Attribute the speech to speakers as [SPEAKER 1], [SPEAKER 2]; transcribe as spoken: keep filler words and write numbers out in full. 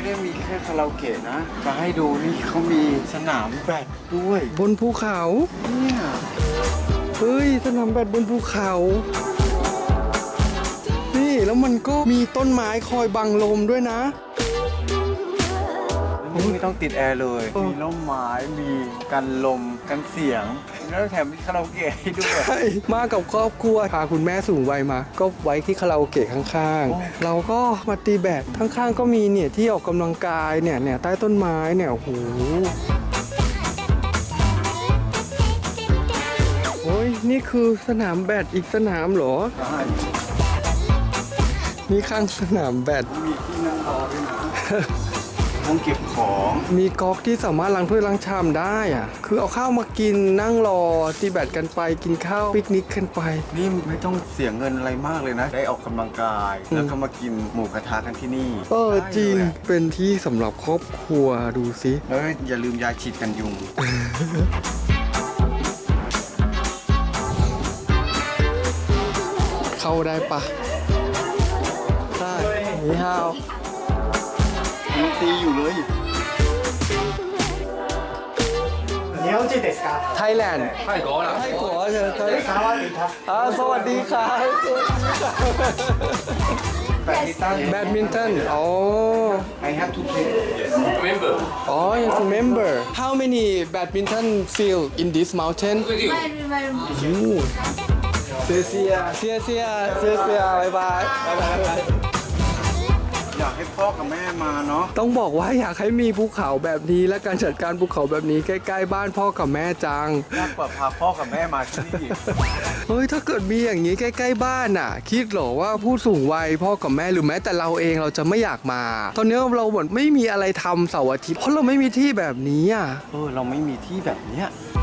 [SPEAKER 1] ได้มีแค่คาราโอเกะนะจะให้ดูนี่เขามีสนามแบดด้วย
[SPEAKER 2] บนภูเขา
[SPEAKER 1] เนี่ย
[SPEAKER 2] เฮ้ยสนามแบดบนภูเขานี่แล้วมันก็มีต้นไม้คอยบังลมด้วยนะ
[SPEAKER 1] ไม่ต้องติดแอร์เลยมีร่มไม้มีกันลมกันเสียงแล้วแถมมีคาราโอเกะให้ด้วย
[SPEAKER 2] ใช่มากับครอบครัวพาคุณแม่สูงวัยมาก็ไว้ที่คาราโอเกะข้างๆเราก็มาตีแบดข้างๆก็มีเนี่ยที่ออกกำลังกายเนี่ยเนี่ยใต้ต้นไม้เนี่ยโอ้โหโอ้ยนี่คือสนามแบดอีกสนามเหรอ
[SPEAKER 1] ใช่
[SPEAKER 2] นี่ข้างสนามแบด
[SPEAKER 1] มีที่นั่งรอด้วยนะห้องเก็บของ
[SPEAKER 2] มีก๊อกที่สามารถล้างถ้วยล้างชามได้อ่ะคือเอาข้าวมากินนั่งรอตีแบดกันไปกินข้าวปิกนิกกันไป
[SPEAKER 1] นี่ไม่ต้องเสียเงินอะไรมากเลยนะได้ออกกำลังกายแล้วก็มากินหมูกระทะกันที่นี่
[SPEAKER 2] เออจริงเป็นที่สำหรับครอบครัวดูสิ
[SPEAKER 1] แล้วอย่าลืมยาฉีดกันยุง
[SPEAKER 2] เข้าได้ปะได้นี่ฮาว
[SPEAKER 1] ยังตีอยู่เลย
[SPEAKER 3] 日本人ですか？
[SPEAKER 2] ไทยแลนด์ไทยกัวนะไทยกัวเชิญไทยสวัสดีครับอ่าสวัสดีครับ
[SPEAKER 1] แบดมินตัน
[SPEAKER 2] แบดมินตันอ๋อ
[SPEAKER 1] I have to play
[SPEAKER 4] Remember.
[SPEAKER 2] อ๋อ yes remember how many badminton field in this mountain เซียเซียเซียเซียเซียเซียบายบาย
[SPEAKER 1] อยากให้พ่อกับแม่มาเนาะ
[SPEAKER 2] ต้องบอกว่าอยากให้มีภูเขาแบบนี้และการจัดการภูเขาแบบนี้ใกล้ๆบ้านพ่อกับแม่จัง
[SPEAKER 1] ยากกว่าพาพ่อกับแม่มาที่นี่
[SPEAKER 2] เฮ้ยถ้าเกิดมีอย่างนี้ใกล้ๆบ้านน่ะคิดเหรอว่าผู้สูงวัยพ่อกับแม่หรือแม้แต่เราเองเราจะไม่อยากมา ตอนนี้เราเหมือนไม่มีอะไรทำเสาร์อาทิตย์เพราะเราไม่มีที่แบบนี้อ่ะ
[SPEAKER 1] เออเราไม่มีที่แบบเนี้ย